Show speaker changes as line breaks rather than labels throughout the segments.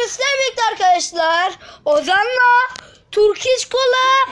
Bugün sizlerle birlikte arkadaşlar Ozan'la Turkish Kola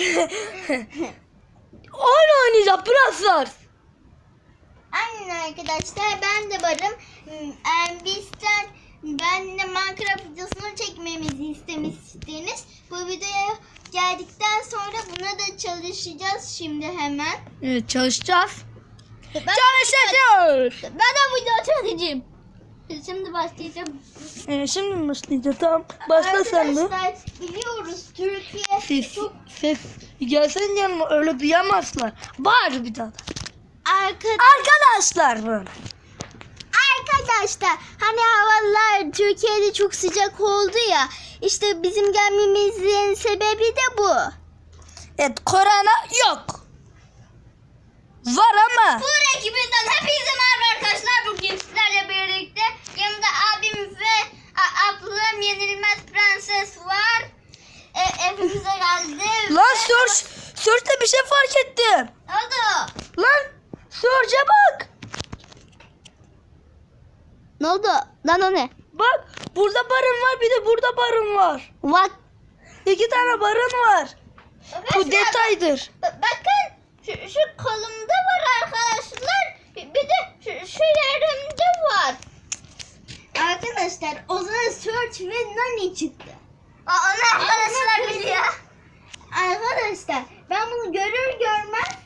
oyun oynayacağız. Brawl.
Aynen arkadaşlar, ben de varım. Bizden ben de Minecraft videosunu çekmemizi istemiştiniz. Bu videoya geldikten sonra buna da çalışacağız şimdi hemen.
Evet, çalışacağız.
Çalışacağız. Ben de video çekeceğim. Şimdi başlayacağım.
Şimdi mi başlayacağız? Tamam. Başla sen de.
Arkadaşlar biliyoruz Türkiye
Ses gelsen yanıma, öyle duyamazlar. Bağır bir daha. Arkadaşlar böyle.
Arkadaşlar hani havalar Türkiye'de çok sıcak oldu ya, işte bizim gelmemizin sebebi de bu.
Evet, korona yok. Var ama.
Bu ekibinden hepinize merhaba arkadaşlar. Bugün sizlerle birlikte yanımda abim ve ablam Yenilmez Prenses var. Evimize geldi.
Lan Search'te bir şey fark ettim.
Ne oldu?
Lan Search'e bak.
Ne oldu? Lan o ne?
Bak, burada barın var, bir de burada barın var.
Bak.
2 tane barın var. Bu detaydır.
Bakın şu kolumda var arkadaşlar. Bir de şu yerimde var. Arkadaşlar o zaman Search ve Nani çıktı. Onu arkadaşlar biliyor. Arkadaşlar ben bunu görür görmez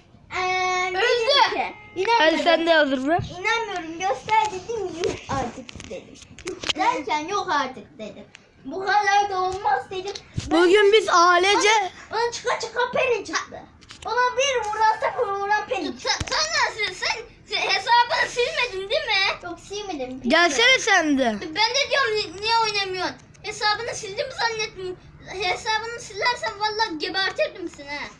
öldü.
Hadi sen de hazır ver.
İnanmıyorum, göster dedim, yok artık dedim. Yok derken yok artık dedim. Bu kadar da olmaz dedim.
Bugün biz ailece...
Bana çıka Penny çıktı. Ona bir vuran Penny çıktı. Sen hesabını silmedin değil mi? Yok silmedim.
Gelsene sen de.
Ben de diyorum niye oynamıyorsun? Hesabını sildim zannettim. Hesabını silersen vallahi gebertirdim seni ha.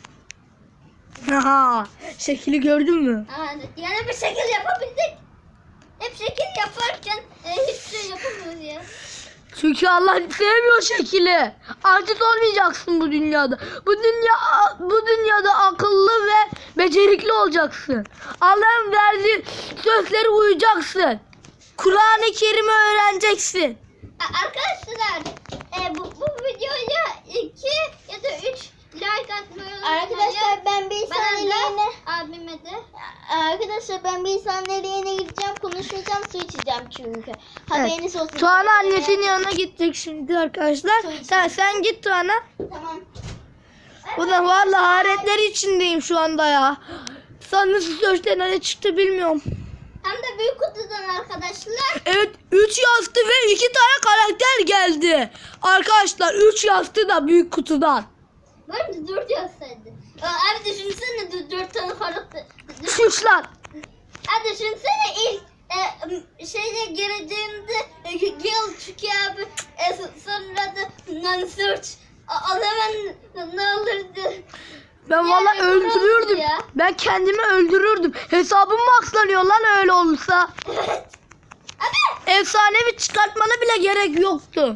Haha, şekli gördün mü?
Yani bir şekil yapabildik. Hep şekil yaparken hiçbir şey yapamıyoruz ya.
Çünkü Allah sevmiyor şekili. Aciz olmayacaksın bu dünyada. Bu dünyada akıllı ve becerikli olacaksın. Allah'ın verdiği sözleri uyacaksın. Kur'an-ı Kerim'i öğreneceksin.
Arkadaşlar bu videoya 2 ya da 3 like atmayı unutmayın. Arkadaşlar ben bir saniyeliğine abime de. Arkadaşlar ben bir saniyeliğine gideceğim, konuşmayacağım, su içeceğim çünkü. Haberiniz olsun.
Tuana annesinin yanına gidecek şimdi arkadaşlar. Sen git Tuana.
Tamam.
Ulan vallahi hayretler içindeyim şu anda ya. Sen nasıl sözden ne çıktı bilmiyorum.
Hem de büyük kutudan arkadaşlar.
Evet, 3 yastı ve 2 tane karakter geldi. Arkadaşlar 3 yastı da büyük kutudan.
Ben de 4 yazsaydı. Abi düşünsene 4 tane karakter.
Sus lan.
Abi düşünsene ilk şeyle girdiğimde Gil çıkıyor abi. Sonra da non-search. O zaman ne olurdu?
Ben vallahi
Yani
öldürürdüm.
ya.
Ben kendimi öldürürdüm. Hesabım maxlanıyor lan öyle olursa.
Evet. Abi.
Efsanevi çıkartmana bile gerek yoktu.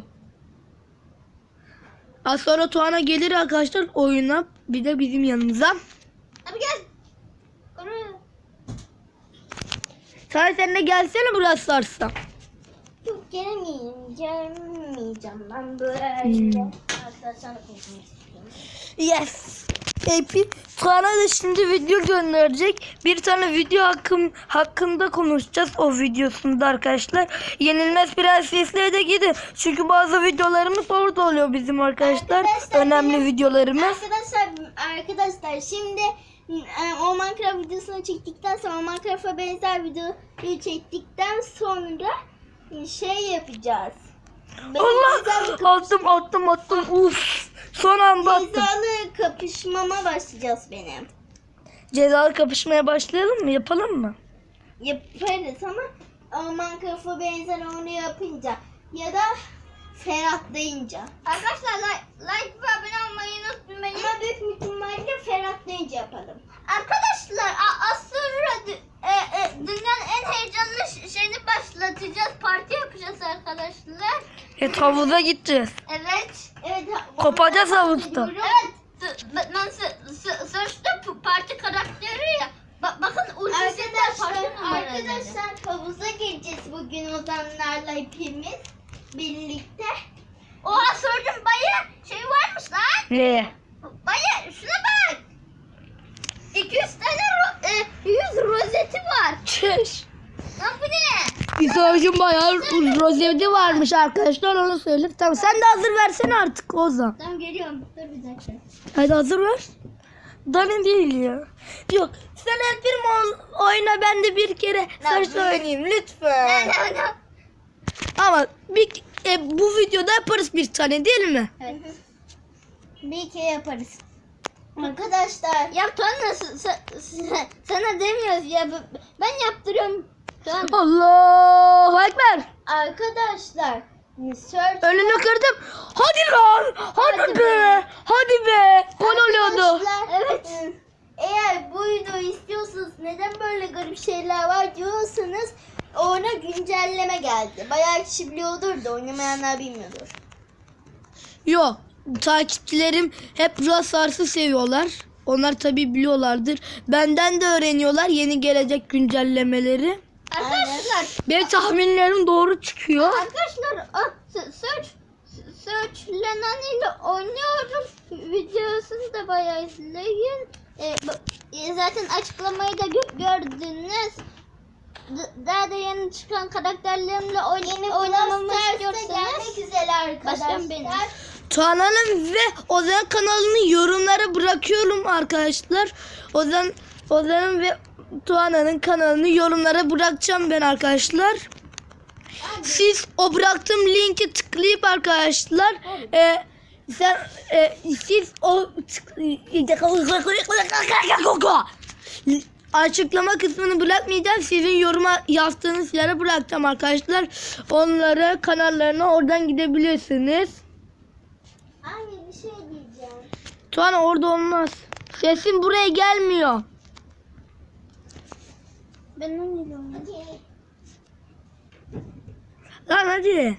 Az sonra Tuana gelir arkadaşlar oyuna. Bir de bizim yanımıza.
Abi gel. Oraya.
Sen de gelsene burası sarsa.
Yok gelmeyeceğim ben böyle. Arkadaşlarla konuşmak istiyorum.
Yes. Baby. Tuana da şimdi video gönderecek. Bir tane video hakkında konuşacağız o videosunda arkadaşlar. Yenilmez Prenses'le de gidin. Çünkü bazı videolarımız orada oluyor bizim arkadaşlar. Önemli videolarımız.
Arkadaşlar şimdi o Minecraft videosunu çektikten sonra, Minecraft'a benzer videoyu çektikten sonra şey yapacağız.
Allah! Attım. Uf! Son anda attım.
Cezalı kapışmama başlayacağız benim.
Cezalı kapışmaya başlayalım mı? Yapalım mı?
Yaparız ama o Minecraft'a benzer onu yapınca ya da ferahlayınca. Arkadaşlar like ve abone olmayı unutmayın. Ama büyük ihtimalle ferahlayınca yapalım. Arkadaşlar az sonra dünyanın en heyecanlı şeyini başlatacağız. Parti yapacağız arkadaşlar.
Havuza gideceğiz.
Evet.
Kopacağız havuzda.
Evet. Ben Search'ta parti karakteri ya. Bakın arkadaşlar havuza gireceğiz bugün Ozanlarla hepimiz birlikte. Oha sordum baya şey varmış lan.
Ne?
Baya şuna bak. 200 tane 100 rozeti var.
Çüş.
Lan bu ne?
İsa'cığım bayağı rozeti varmış arkadaşlar, onu söyle. Tamam, sen de hazır versene artık Ozan.
Tamam geliyorum. Dur bir dakika.
Hadi hazır ver. Dani değil ya. Yok, sen el bir oyna, ben de bir kere saçla oynayayım lütfen.
Ne?
Ama bu videoda yaparız bir tane değil mi?
Evet. Bir kere yaparız. Arkadaşlar. Ya Tuana sana demiyoruz ya. Ben yaptırıyorum. Tuana.
Allahu Ekber.
Arkadaşlar. Search.
Önünü kırdım. Hadi lan. Hadi be. Hadi be. Gol oluyordu.
Arkadaşlar, evet. Eğer bu videoyu istiyorsanız, neden böyle garip şeyler var diyorsanız, ona güncelleme geldi. Bayağı kişi biliyordur da oynamayanlar bilmiyordur.
Yok. Takipçilerim hep Brawl Stars'ı seviyorlar. Onlar tabii biliyorlardır. Benden de öğreniyorlar yeni gelecek güncellemeleri.
Arkadaşlar.
Benim tahminlerim doğru çıkıyor.
Arkadaşlar Search Lenani ile oynuyorum. Videosunu da bayağı izleyin. Zaten açıklamayı da gördünüz. Daha da yeni çıkan karakterlerimle oynamamı istiyorsanız
güzel arkadaşlar.
baştan benim.
Tuana'nın ve Ozan kanalını yorumlara bırakıyorum arkadaşlar. Ozan'ın ve Tuana'nın kanalını yorumlara bırakacağım ben arkadaşlar. Siz o bıraktığım linki tıklayıp arkadaşlar siz o açıklama kısmını bırakmayacağım. Sizin yoruma yazdığınız yere bırakacağım arkadaşlar. Onlara kanallarına oradan gidebilirsiniz.
Anne bir şey diyeceğim.
Tuana orada olmaz. Sesin buraya gelmiyor.
Ben onu biliyorum.
Lan hadi.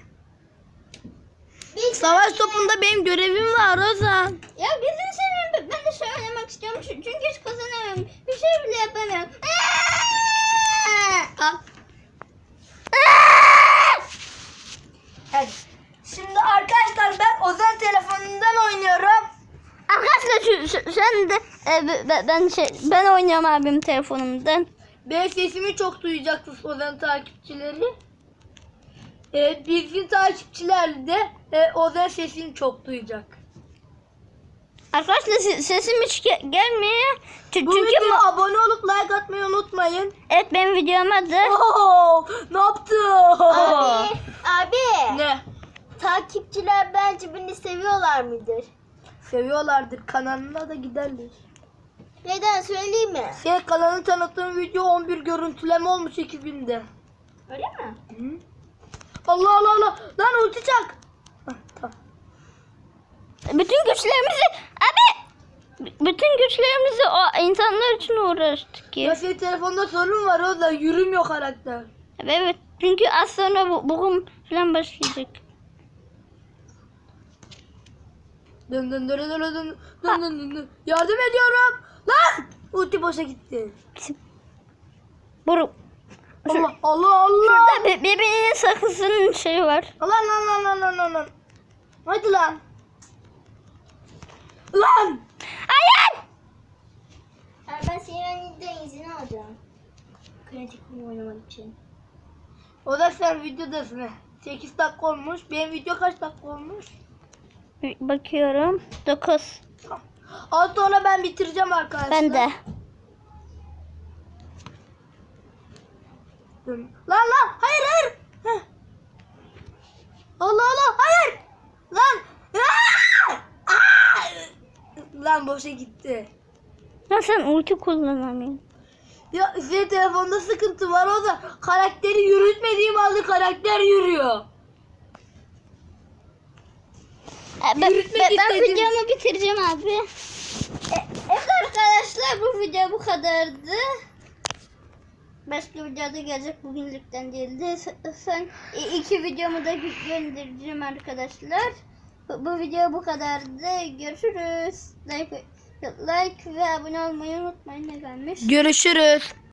Savaş topunda benim görevim var Ozan.
Ya gözünü seveyim, ben de şey oynamak istiyorum çünkü hiç kazanamıyorum. Bir şey bile yapamıyorum.
Al. Evet. Şimdi arkadaşlar ben Ozan telefonundan oynuyorum.
Arkadaşlar sen de ben oynuyorum abim telefonumdan.
Benim sesimi çok duyacaksınız Ozan takipçileri. Bizim takipçiler de Ozan sesini çok duyacak.
Arkadaşlar sesim hiç gelmiyor.
Bu
Çünkü
videoya abone olup like atmayı unutmayın.
evet benim videom adı.
Oo, ne yaptın?
Abi.
Ne?
Takipçiler bence beni seviyorlar mıdır?
Seviyorlardır. Kanalına da giderler.
Neden söyleyeyim mi?
Senin kanalını tanıttığım video 11 görüntüleme olmuş 2 günde.
Öyle mi?
Hı? Allah Allah Allah. Lan ulti çak. Hah, tamam.
Bütün güçlerimizi o insanlar için uğraştık
Ya
ya.
senin telefonda sorun var o da yürümüyor karakter.
Evet çünkü az sonra bugün falan başlayacak.
Dön dön dön dön dön dön dön dön dön. Yardım ediyorum. Lan! Ulti boşa gitti.
Buru.
Allah Allah Allah.
Şurada bebeğinin sakızının şeyi var.
Lan lan lan lan lan lan lan. Hadi lan. Lan!
Hayır!
Ben senin önünden izin alacağım. Kritik oynamak için.
O da sen videodasın. 8 dakika olmuş. Benim video kaç dakika olmuş?
Bakıyorum. 9.
Az sonra ben bitireceğim arkadaşlar.
Ben de.
Lan lan hayır hayır. Heh. Allah Allah hayır. Lan. Aa! Aa! Lan boşa gitti.
Ya sen ulti kullanamıyorsun.
Ya senin telefonda sıkıntı var, o da karakteri yürütmediğim halde karakter yürüyor.
Ben
Yürütmek istedim.
videomu bitireceğim abi. Evet arkadaşlar bu video bu kadardı. Başka videoda gelecek, bugünlükten değildi. Son 2 videomu da göndereceğim arkadaşlar. Bu video bu kadardı. Görüşürüz. Like ve abone olmayı unutmayın. Ne gelmiş?
Görüşürüz.